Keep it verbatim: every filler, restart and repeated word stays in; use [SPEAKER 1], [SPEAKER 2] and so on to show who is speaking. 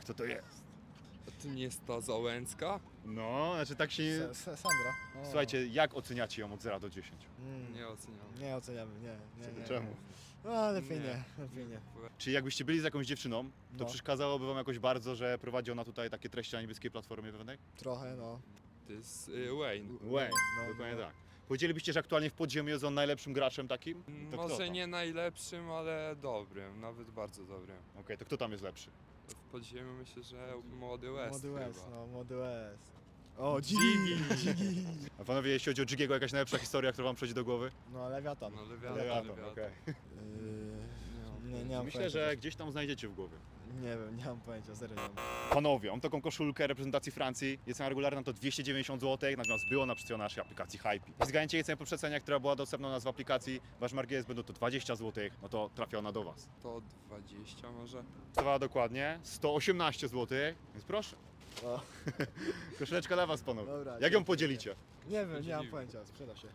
[SPEAKER 1] Co to jest?
[SPEAKER 2] A to nie jest ta Załęcka?
[SPEAKER 1] No, znaczy tak się...
[SPEAKER 3] S- S- Sandra. O.
[SPEAKER 1] Słuchajcie, jak oceniacie ją od zera do dziesięciu?
[SPEAKER 3] Mm.
[SPEAKER 2] Nie oceniam.
[SPEAKER 3] Nie oceniamy, nie. nie, nie, nie.
[SPEAKER 1] Czemu?
[SPEAKER 3] No lepiej
[SPEAKER 2] Nie.
[SPEAKER 3] nie, lepiej nie.
[SPEAKER 1] Czy jakbyście byli z jakąś dziewczyną, to
[SPEAKER 3] No.
[SPEAKER 1] przeszkadzałoby wam jakoś bardzo, że prowadzi ona tutaj takie treści na niebieskiej platformie pewnej?
[SPEAKER 3] Trochę, no.
[SPEAKER 2] To jest y, Wayne.
[SPEAKER 1] Wayne,
[SPEAKER 3] No,
[SPEAKER 1] dokładnie
[SPEAKER 3] no.
[SPEAKER 1] tak. Powiedzielibyście, że aktualnie w podziemiu jest on najlepszym graczem takim? To kto
[SPEAKER 2] Może
[SPEAKER 1] tam?
[SPEAKER 2] nie najlepszym, ale dobrym, nawet bardzo dobrym.
[SPEAKER 1] Okej, to kto tam jest lepszy?
[SPEAKER 2] W podziemiu myślę, że młody West
[SPEAKER 3] Młody West,
[SPEAKER 2] chyba.
[SPEAKER 3] no, młody West. O, Dzigi!
[SPEAKER 1] A panowie, jeśli chodzi o Jigiego, jakaś najlepsza historia, która wam przychodzi do głowy?
[SPEAKER 3] No, Lewiatan.
[SPEAKER 2] No Lewiatan,
[SPEAKER 1] Lewiatan,
[SPEAKER 2] Lewiatan.
[SPEAKER 1] okej.
[SPEAKER 3] Yy, nie, nie mam
[SPEAKER 1] Myślę,
[SPEAKER 3] pojęcia.
[SPEAKER 1] że gdzieś tam znajdziecie w głowie.
[SPEAKER 3] Nie wiem, nie mam pojęcia, serio nie mam.
[SPEAKER 1] Panowie, mam taką koszulkę reprezentacji Francji. Jest cena regularna to dwieście dziewięćdziesiąt złotych, natomiast było na przecenie naszej aplikacji Hype. Zgadniecie jej cenę po przecenie, która była dostępna u nas w aplikacji. Wasz margines będą to dwadzieścia złotych, no to trafia ona do was.
[SPEAKER 2] To dwadzieścia może?
[SPEAKER 1] Kosztowała dokładnie sto osiemnaście złotych, więc proszę.
[SPEAKER 3] O,
[SPEAKER 1] Koszuleczka dla was, panowie.
[SPEAKER 3] Dobra,
[SPEAKER 1] Jak ją
[SPEAKER 3] dziękuję.
[SPEAKER 1] podzielicie?
[SPEAKER 3] nie wiem, nie mam
[SPEAKER 2] Podzielimy.
[SPEAKER 3] pojęcia, sprzeda się.